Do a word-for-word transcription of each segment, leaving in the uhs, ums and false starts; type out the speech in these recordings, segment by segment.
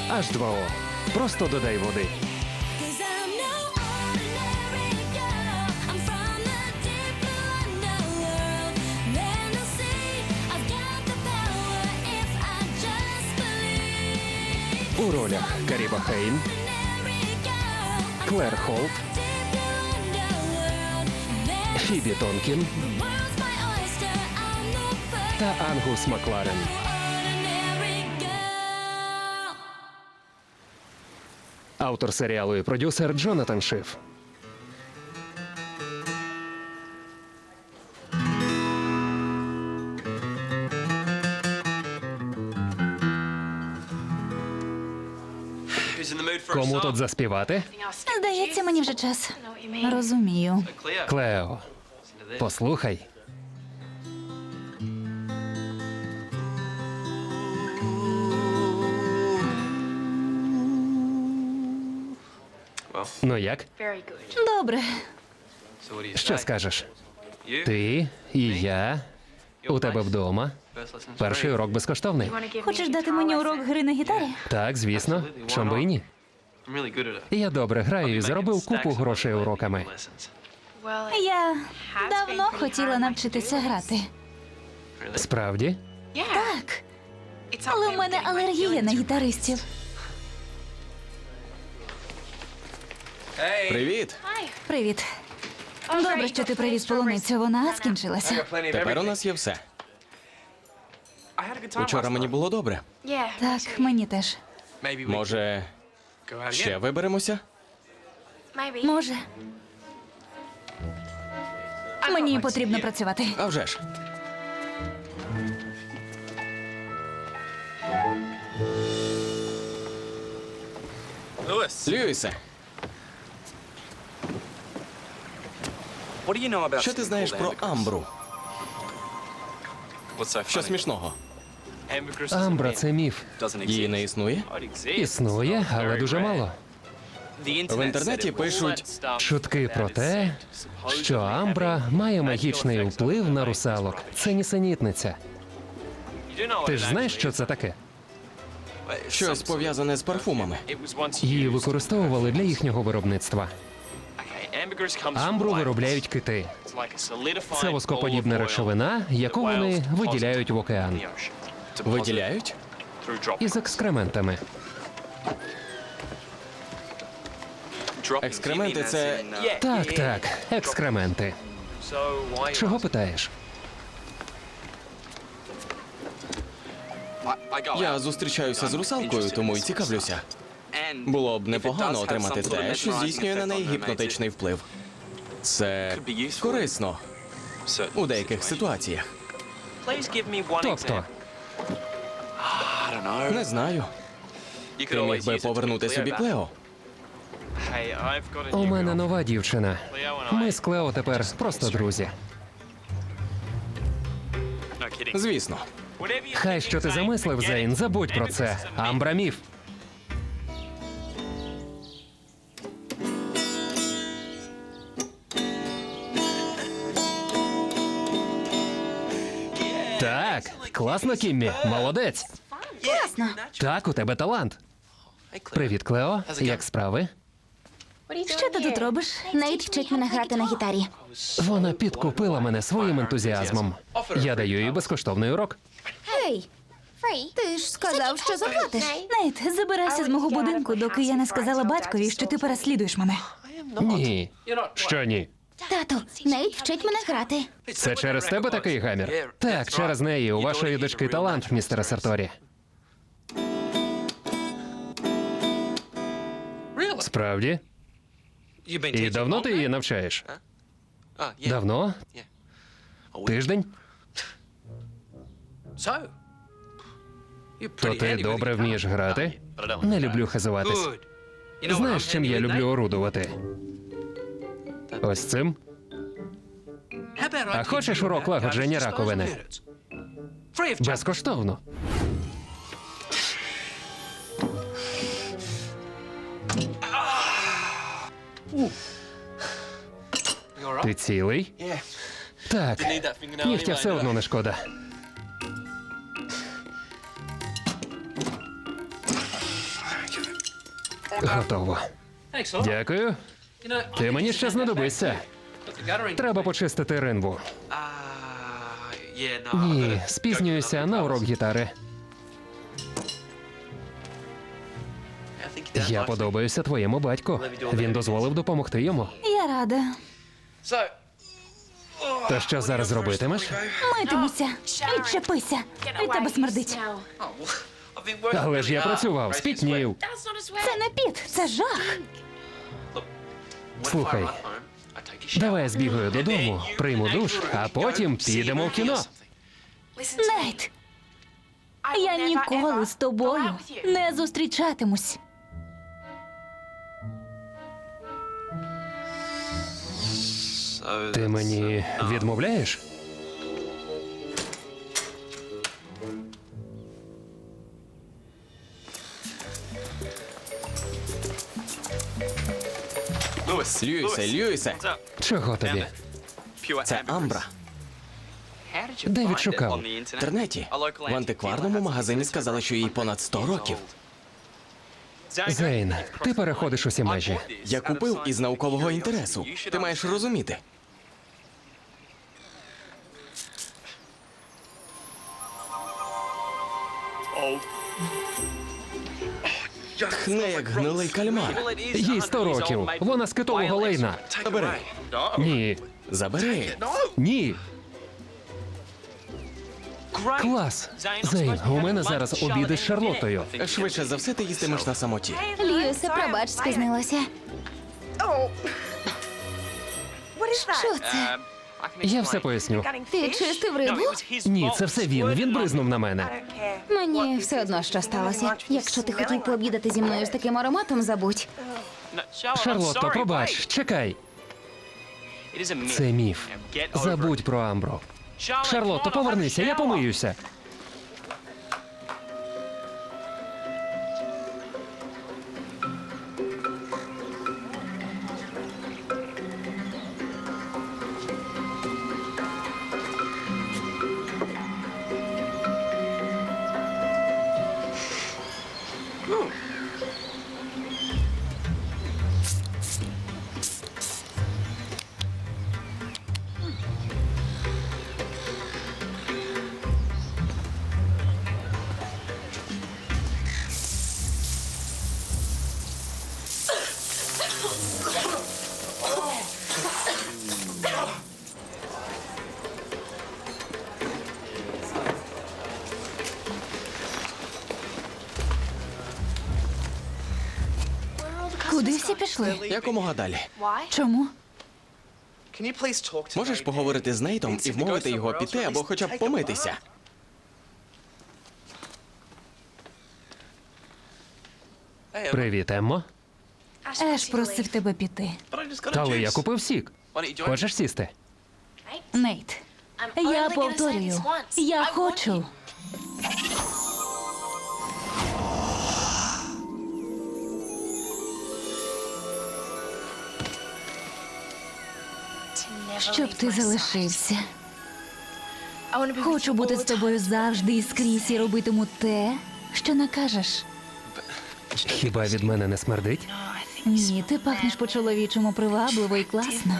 ейч два о. Просто додай води. Cause I'm no ordinary girl. I'm from the deep blue underworld. Then they'll see I've got the power if I just believe. У ролях Каріба Хейн, Ordinary girl. I'm Клер Холт, deep blue underworld. Then Фібі Тонкін the world's my oyster. I'm the first та Ангус Макларен. ordinary girl. Автор серіалу і продюсер Джонатан Шиф. Кому тут заспівати? Здається, мені вже час. Розумію. Клео, послухай. Ну як? Добре. Що скажеш? Ти і я у тебе вдома. Перший урок безкоштовний. Хочеш дати мені урок гри на гітарі? Так, звісно. Чом би і ні? Я добре граю і заробив купу грошей уроками. Я давно хотіла навчитися грати. Справді? Так. Але в мене алергія на гітаристів. Привіт! Привіт. Добре, що ти привіз полуницю. Вона скінчилася. Тепер у нас є все. Учора мені було добре. Так, мені теж. Може, ще виберемося? Може. Мені потрібно працювати. А вже ж. Льюісе, що ти знаєш про Амбру? Що смішного? Амбра – це міф. Її не існує? Існує, але дуже мало. В інтернеті пишуть, Чутки про те, що Амбра має магічний вплив на русалок. Це нісенітниця. Ти ж знаєш, що це таке? щось пов'язане з парфумами. Її використовували для їхнього виробництва. Амбру виробляють кити. Це воскоподібна речовина, яку вони виділяють в океан. Виділяють? Із екскрементами. Екскременти – це... Так, так, екскременти. Чого питаєш? Я зустрічаюся з русалкою, тому й цікавлюся. Було б непогано отримати те, що здійснює на неї гіпнотичний вплив. Це корисно у деяких ситуаціях. Тобто, Не знаю. Ти міг би повернути собі Клео. у мене нова дівчина. Ми з Клео тепер просто друзі. Звісно. Хай що ти замислив, Зейн, забудь про це. Амбра міф. Так, класно, Кіммі. Молодець. Класно. Так, у тебе талант. Привіт, Клео. Як справи? Що ти тут робиш? Нейт вчить мене грати на гітарі. Вона підкупила мене своїм ентузіазмом. Я даю їй безкоштовний урок. Гей, ти ж сказав, що заплатиш. Нейт, забирайся з мого будинку, доки я не сказала батькові, що ти переслідуєш мене. Ні. Що ні? Тату, Нейт вчить мене грати. Це через тебе такий гамір? Так, через неї. У вашої дочки талант, містере Сарторі. Справді? І давно ти її навчаєш? Давно? Тиждень? То ти добре вмієш грати? Не люблю хизуватись. Знаєш, чим я люблю орудувати? Ось цим. А хочеш урок лагодження раковини? Безкоштовно. Ти цілий? Так. Нігтя все одно не шкода. Готово. Дякую. Ти мені ще знадобишся. Треба почистити ринву. Ні, спізнююся на урок гітари. Я подобаюся твоєму батьку. Він дозволив допомогти йому. Я рада. Та що зараз робитимеш? Митимуся. Відчепися. Від тебе смердить. Але ж я працював, спітнів. Це не піт, це жах. Слухай, давай я збігаю додому, прийму душ, а потім підемо в кіно. Нейт, я ніколи з тобою не зустрічатимусь. Ти мені відмовляєш? Льюісе, Льюісе, Чого тобі? це Амбра. Де відшукав? В інтернеті. В антикварному магазині сказали, що їй понад сто років. Зейн, ти переходиш усі межі. Я купив із наукового інтересу. Ти маєш розуміти. Тхне, як гнилий кальмар. Їй сто років. Вона з китового лейна. Забери. Ні. Забери. Ні. Клас. Зейн, у мене зараз обіди з Шарлоттою. Швидше за все, ти їстимеш на самоті. Льюісе, пробач, спізнилася. Що це? Я все поясню. Ти чистив рибу? Ні, це все він. Він бризнув на мене. Мені все одно, що сталося. Якщо ти хотів пообідати зі мною з таким ароматом, забудь. Шарлотто, пробач, чекай. Це міф. Забудь про Амбру. Шарлотто, повернися, я помиюся. Куди всі пішли? Якомога далі. Чому? Можеш поговорити з Нейтом і вмовити його піти або хоча б помитися? Привіт, Еммо. Еш просив тебе піти. Але я купив сік. Хочеш сісти? Нейт, я повторюю, я хочу. Щоб ти залишився. Хочу бути з тобою завжди і скрізь і робитиму те, що накажеш. Хіба від мене не смердить? Ні, ти пахнеш по-чоловічому привабливо і класно.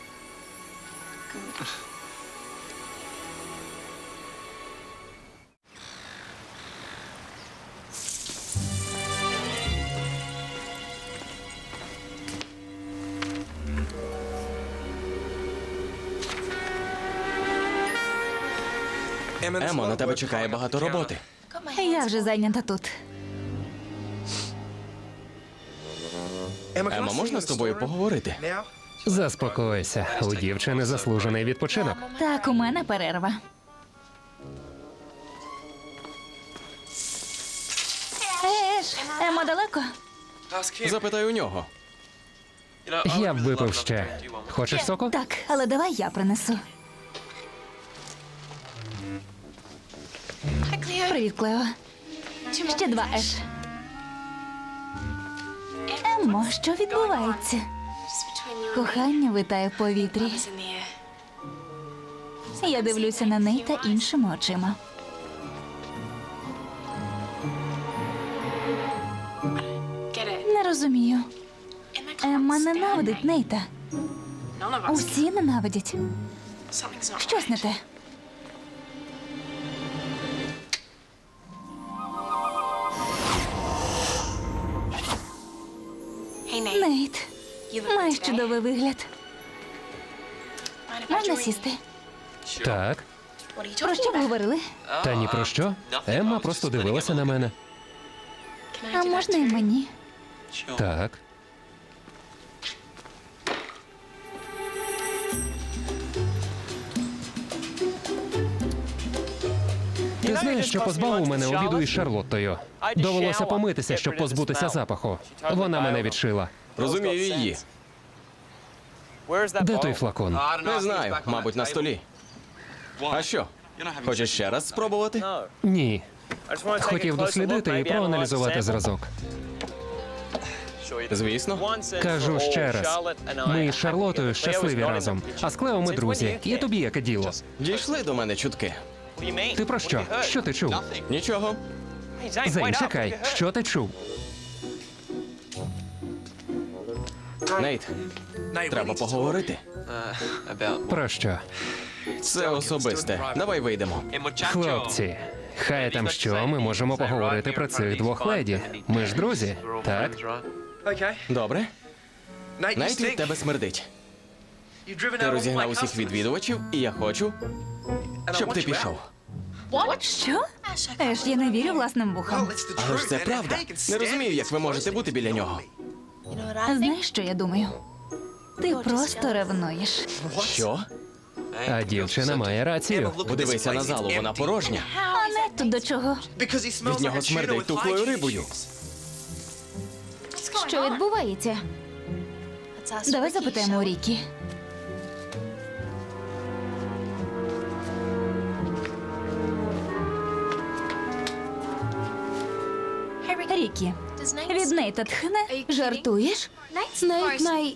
Емо, на тебе чекає багато роботи. Я вже зайнята тут. Емо, можна з тобою поговорити? Заспокойся. У дівчини заслужений відпочинок. Так, у мене перерва. Еш, Емо далеко? Запитай у нього. Я б випив ще. Хочеш соку? Так, але давай я принесу. Привіт, Клео. Ще два, Еш. Емо, що відбувається? Кохання витає в повітрі. Я дивлюся на неї та іншими очима. Не розумію. Емма ненавидить Нейта. Усі ненавидять. Щось не те. Нейт, маєш чудовий вигляд. Можна сісти? Так. Про що ви говорили? Та ні про що. Емма просто дивилася на мене. А можна і мені? Так. Ти знаєш, що позбавив мене обіду із Шарлоттою. Довелося помитися, щоб позбутися запаху. Вона мене відшила. Розумію її. Де той флакон? Не знаю, мабуть, на столі. А що? Хочеш ще раз спробувати? Ні. Хотів дослідити і проаналізувати зразок. Звісно. Кажу ще раз. Ми із Шарлотою щасливі разом, а з Клео ми друзі. І тобі яке діло? Дійшли до мене чутки. Ти про що? Що ти чув? Нічого. Зейн, чекай, що ти чув? Нейт, треба поговорити. Про що? Це особисте. Давай вийдемо. Хлопці, хай там що, ми можемо поговорити про цих двох леді. Ми ж друзі, так? Добре? Нейт, від тебе смердить. Ти розігнав усіх відвідувачів, і я хочу, щоб ти пішов. Що? Еш, я не вірю власним вухам. Але ж це правда. Не розумію, як ви можете бути біля нього. Знаєш, що я думаю? Ти просто ревнуєш. Що? А дівчина має рацію. Подивися на залу, вона порожня. А не тут до чого? Від нього смердить тухлою рибою. Що відбувається? Давай запитаємо у Рікі. Рікі, від Нейта тхне? Жартуєш? Нейт най...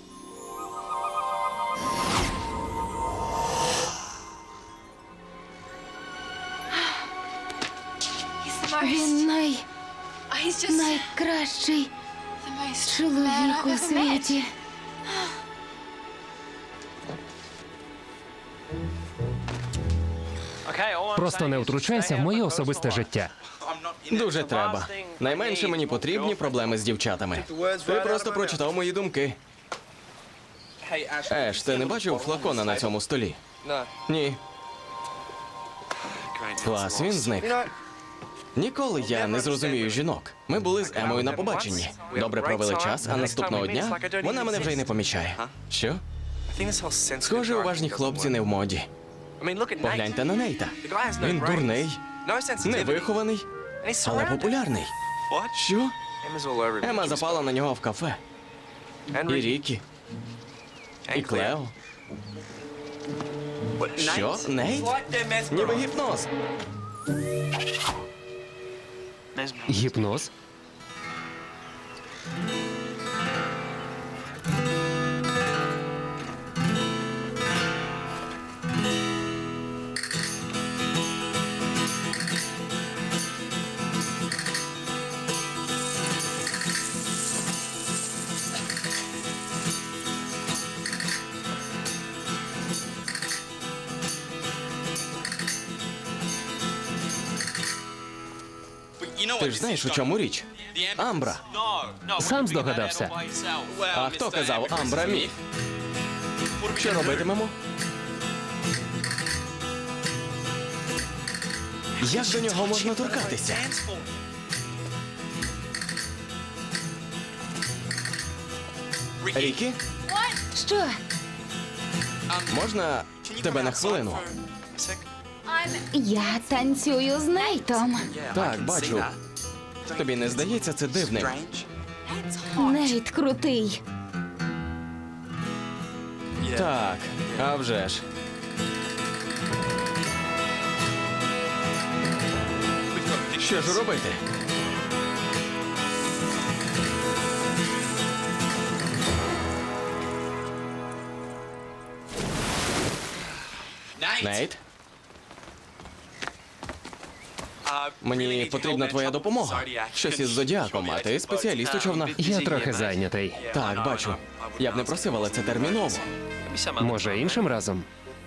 Він най... найкращий чоловік у світі. Просто не втручайся в моє особисте життя. Дуже треба. Найменше мені потрібні проблеми з дівчатами. Ти просто прочитав мої думки. Еш, ти не бачив флакона на цьому столі? Ні. Клас, він зник. Ніколи я не зрозумію жінок. Ми були з Емою на побаченні. Добре провели час, а наступного дня вона мене вже й не помічає. Що? Схоже, уважні хлопці не в моді. Погляньте на Нейта. Він дурний, невихований, але популярний. Що? Ема запала на нього в кафе. І Рікі. І Клео. Що? Нейт? Ніби гіпноз. Гіпноз? Ти ж знаєш, у чому річ? Амбра. Сам здогадався. А хто казав Амбра міф? Що робитимемо? Як до нього можна торкатися? Рікі, Що? можна тебе на хвилину? Я танцюю з Нейтом. Так, бачу. Тобі не здається це дивним? Нейт крутий. Так, а вже ж. Що ж робити? Нейт? Мені потрібна твоя допомога. Щось із зодіаком, а ти спеціаліст у човнах. Я трохи зайнятий. Так, бачу. Я б не просив, але це терміново. Може, іншим разом?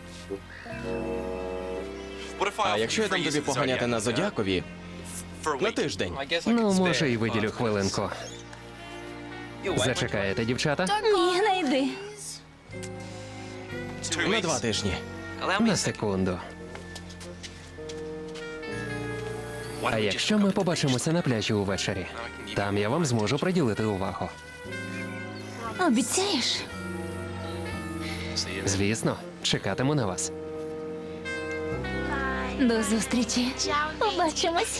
А якщо я дам тобі поганяти на зодіакові на тиждень? Ну, може, і виділю хвилинку. Зачекаєте, дівчата? Ні, не йди. На два тижні. На секунду. А якщо ми побачимося на пляжі увечері? Там я вам зможу приділити увагу. Обіцяєш? Звісно, чекатиму на вас. До зустрічі. Побачимось.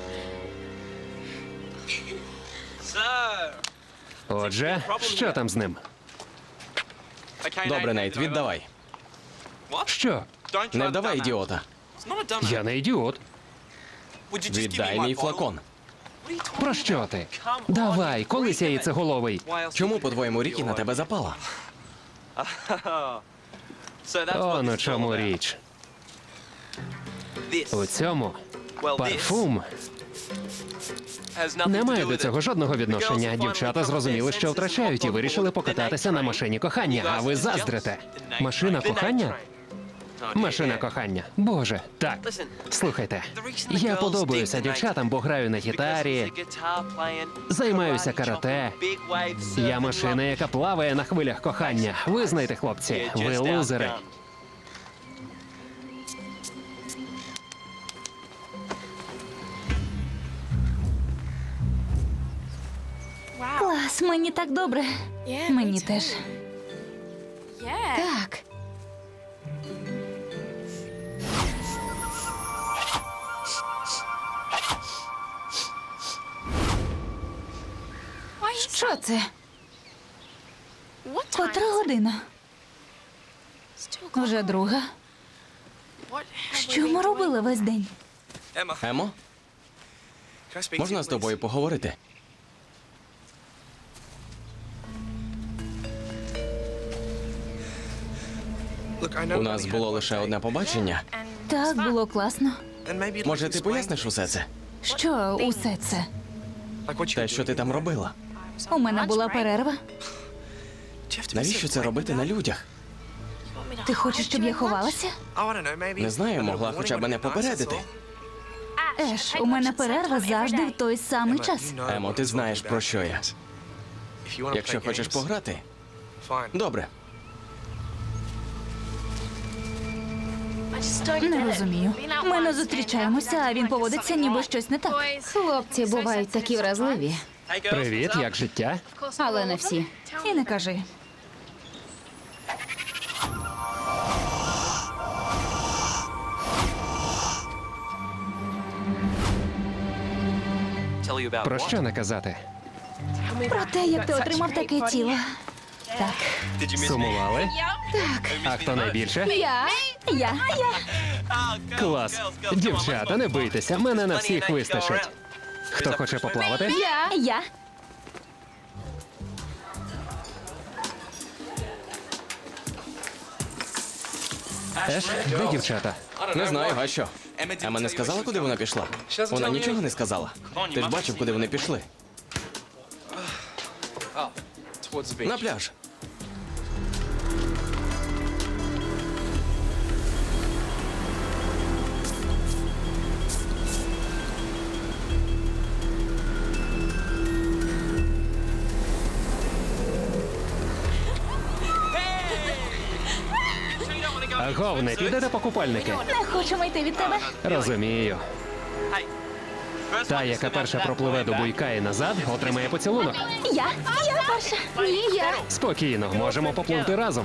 Отже, що там з ним? Добре, Нейт, віддавай. Що? Не вдавай ідіота. Я не ідіот. Віддай мій флакон. Про що ти? Давай, колись я яйцеголовий. Чому, по-твоєму, Рікі на тебе запала? О, на чому річ. У цьому парфум не має до цього жодного відношення. Дівчата зрозуміли, що втрачають, і вирішили покататися на машині кохання. А ви заздрите. Машина кохання? Машина кохання. Боже, так. Слухайте, я подобаюся дівчатам, бо граю на гітарі, займаюся карате. Я машина, яка плаває на хвилях кохання. Визнайте, хлопці, ви лузери. Клас, мені так добре. Мені теж. Так. Що це? Котра година? Вже друга. Що ми робили весь день? Емо, можна з тобою поговорити? У нас було лише одне побачення. Так, було класно. Може, ти поясниш усе це? Що усе це? Те, що ти там робила? У мене була перерва. Навіщо це робити на людях? Ти хочеш, щоб я ховалася? Не знаю, могла хоча б мене попередити. Еш, у мене перерва завжди в той самий час. Емо, ти знаєш, про що я. Якщо хочеш пограти, добре. Не розумію. Ми не зустрічаємося, а він поводиться, ніби щось не так. Хлопці бувають такі вразливі, Привіт, як життя? але не всі. І не кажи. Про що не казати? Про те, як ти отримав таке тіло. Так. Сумували? Так. А хто найбільше? Я. Я. Я. Клас. Дівчата, не бийтеся, мене на всіх вистачить. Хто хоче поплавати? Я. Я. Еш, де дівчата? Не знаю, а що? Ема не сказала, куди вона пішла? Вона нічого не сказала. Ти ж бачив, куди вони пішли. На пляж. Агов, не підете по купальники? Не хочемо йти від тебе. Розумію. Та, яка перша пропливе до буйка і назад, отримає поцілунок. Я. Я перша. Ні, я. Спокійно, можемо попливти разом.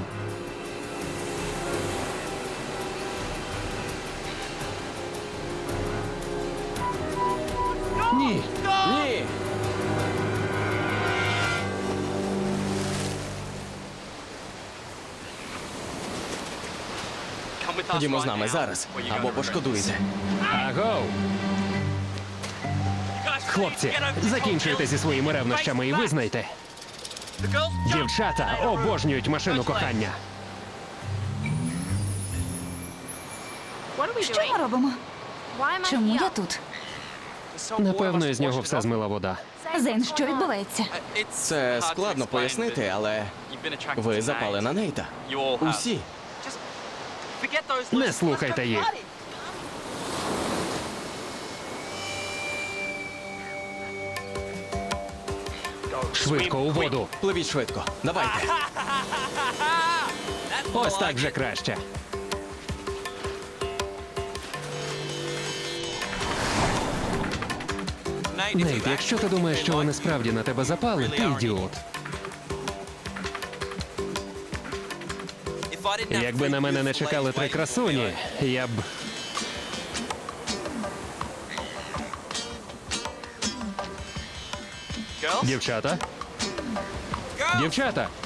Ні. Ні! Ходімо з нами зараз, або пошкодуєте. Агов! Хлопці, закінчуйте зі своїми ревнощами і визнайте. Дівчата обожнюють машину кохання. Що ми робимо? Чому я тут? Напевно, із нього все змила вода. Зейн, що відбувається? Це складно пояснити, але ви запали на Нейта. Усі. Не слухайте їх. Швидко у воду. Пливіть швидко. Давайте. Ось так вже краще. Нейт, якщо ти думаєш, що вони справді на тебе запали, ти ідіот. Якби на мене не чекали три красуні, я б. Дівчата? Дівчата!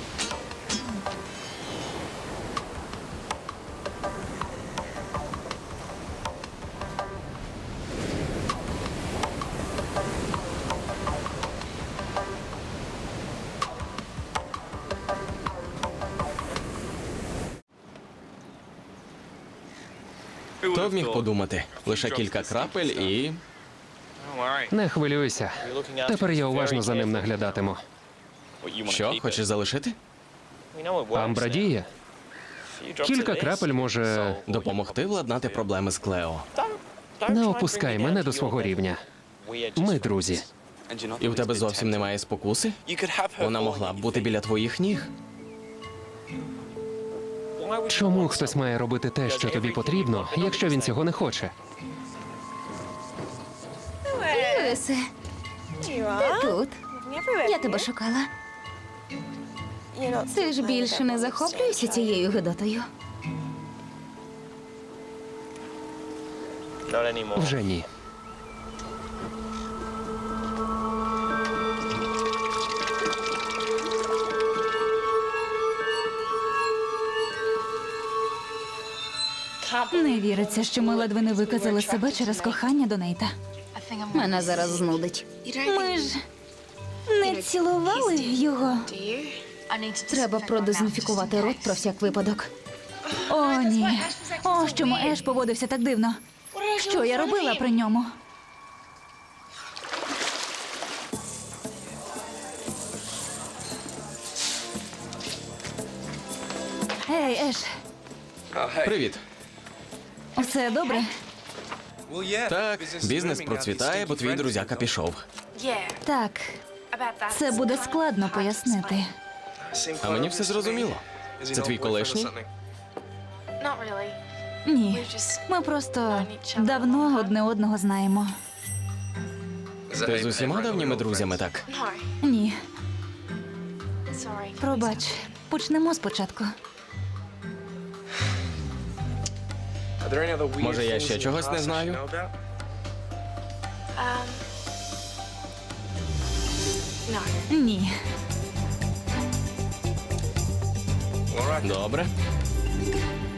Хто б міг подумати? Лише кілька крапель і. Не хвилюйся. Тепер я уважно за ним наглядатиму. Що, хочеш залишити? Амбра діє. Кілька крапель може. Допомогти владнати проблеми з Клео. Не опускай мене до свого рівня. Ми друзі. І в тебе зовсім немає спокуси? Вона могла б бути біля твоїх ніг. Чому хтось має робити те, що тобі потрібно, якщо він цього не хоче? Льюісе, ти тут. Я тебе шукала. Ти ж більше не захоплюєшся цією гидотою. Вже ні. Не віриться, що ми ледве не виказали себе через кохання до Нейта. Мене зараз знудить. Ми ж не цілували його. Треба продезінфікувати рот про всяк випадок. О, ні. О, чому Еш поводився так дивно. Що я робила при ньому? Ей, Еш, Привіт. усе добре? Так, бізнес процвітає, бо твій друзяка пішов. Так, це буде складно пояснити. А мені все зрозуміло. Це твій колишній? Ні, ми просто давно одне одного знаємо. Ти з усіма давніми друзями так? Ні, пробач, почнемо спочатку. Може, я ще чогось не знаю? Ні. Добре.